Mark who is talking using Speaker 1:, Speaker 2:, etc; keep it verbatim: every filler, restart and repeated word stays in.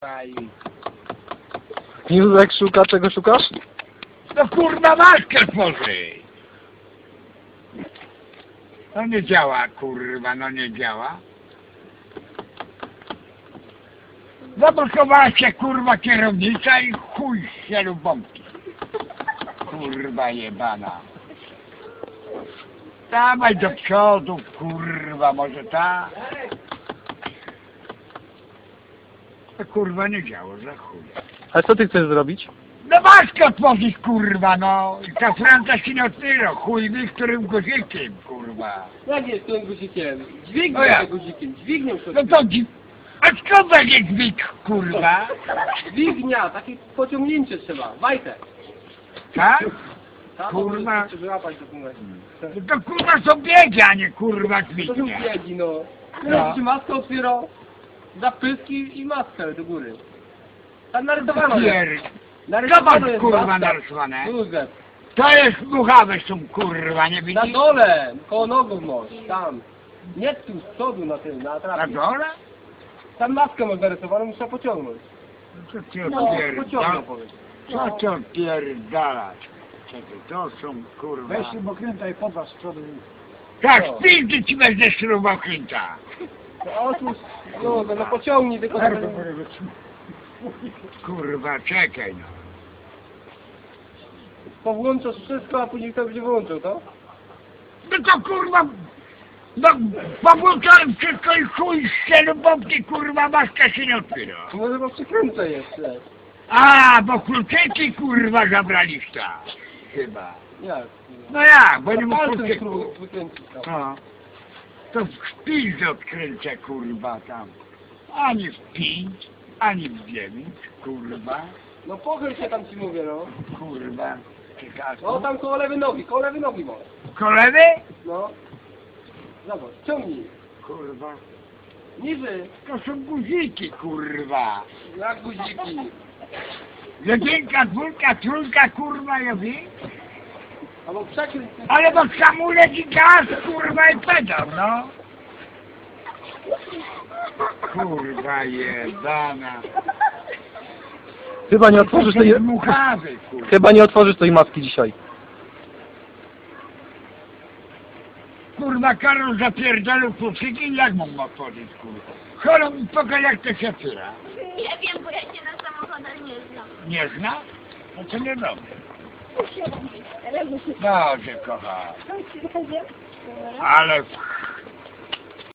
Speaker 1: kurwa i...
Speaker 2: Józek szuka, czego szukasz?
Speaker 1: No kurwa maskę tworzy! No nie działa kurwa, no nie działa. Zablokowała się kurwa kierownica i chuj się lub bombki. Kurwa jebana. Dawaj do przodu kurwa, może ta? To kurwa nie działa, za chuj.
Speaker 2: Ale co ty chcesz zrobić?
Speaker 1: No maskę otworzyć kurwa, no. I ta Franca się nie otwiera, chuj wie którym guzikiem kurwa.
Speaker 3: Jak jest tym guzikiem?
Speaker 1: No
Speaker 3: Dźwignią
Speaker 1: jak?
Speaker 3: tym guzikiem, dźwignią to.
Speaker 1: No to dzi... A skąd będzie dźwig kurwa?
Speaker 3: Dźwignia, takie pociągnięcie trzeba, Wajtek.
Speaker 1: Tak?
Speaker 3: Tak,
Speaker 1: Kurwa.
Speaker 3: to żeby łapać do numeru.
Speaker 1: No to kurwa są biegi, a nie kurwa
Speaker 3: To są
Speaker 1: dźwignia.
Speaker 3: biegi, no.
Speaker 1: No.
Speaker 3: No. Ci maskę otwierał, zapyski i maskę do góry. Tam narysowano jest.
Speaker 1: Pier...
Speaker 3: Narysowano
Speaker 1: Zobacz
Speaker 3: jest
Speaker 1: kurwa
Speaker 3: maska.
Speaker 1: narysowane.
Speaker 3: Józef.
Speaker 1: To jest muchawe są kurwa, nie
Speaker 3: Na
Speaker 1: widzisz?
Speaker 3: dole, koło nogów masz, tam. Nie tu, z przodu na tym, na
Speaker 1: Na
Speaker 3: trapie.
Speaker 1: dole?
Speaker 3: Tam maskę masz narysowaną, muszę pociągnąć.
Speaker 1: Co ty
Speaker 3: No, pociągnął
Speaker 1: odpierdalasz?
Speaker 3: powiedz.
Speaker 1: Co ty odpierdalasz? Czekaj, to są kurwa...
Speaker 4: Weź śrubokręta i podważ z przodu.
Speaker 1: Tak,
Speaker 3: No.
Speaker 1: spildy ci będę śrubokręta.
Speaker 3: No otóż, no, no pociągnij tylko...
Speaker 4: Nerwy porywycz.
Speaker 1: Kurwa, czekaj no.
Speaker 3: Powłączasz wszystko, a później kto będzie wyłączył, to?
Speaker 1: No to kurwa... No, powłączałem wszystko i chuj z bombki, kurwa, maska się nie otwiera.
Speaker 3: No chyba przykręcę jeszcze.
Speaker 1: A, bo kluczyki kurwa zabraliście. Chyba.
Speaker 3: Jak?
Speaker 1: No jak, bo nie
Speaker 3: To
Speaker 1: mógł
Speaker 3: palcem
Speaker 1: kluczyku.
Speaker 3: spróbuj wykręcić tam.
Speaker 1: No. To w szpilce odkręcę kurwa tam. Ani w pięć, ani w dziewięć, kurwa.
Speaker 3: No pochyl się tam ci mówię, no.
Speaker 1: Kurwa. Ciekawe.
Speaker 3: No tam koło lewej nogi, koło lewej nogi masz.
Speaker 1: Kolewy?
Speaker 3: No. Zobacz, ciągnij.
Speaker 1: Kurwa.
Speaker 3: Niżej.
Speaker 1: To są guziki kurwa.
Speaker 3: Jak guziki.
Speaker 1: Jedynka, dwójka, trójka, kurwa, ja wiem.
Speaker 3: Albo przekręć.
Speaker 1: Ale bo hamulec i gaz, kurwa, i pedał, no. Kurwa jebana.
Speaker 2: Chyba nie otworzysz
Speaker 1: To
Speaker 2: tej...
Speaker 1: jest muchawy, kurwa.
Speaker 2: Chyba nie otworzysz tej maski dzisiaj.
Speaker 1: Kurwa, Karol zapierdolił kluczyki, jak mógł otworzyć, kurwa? Chorą mi pokaż, jak to się otwiera.
Speaker 5: Nie wiem, bo ja się na samochodach nie znam.
Speaker 1: Nie zna? No to nie robię.
Speaker 5: Ale muszę...
Speaker 1: Dobrze, kocham. Ale...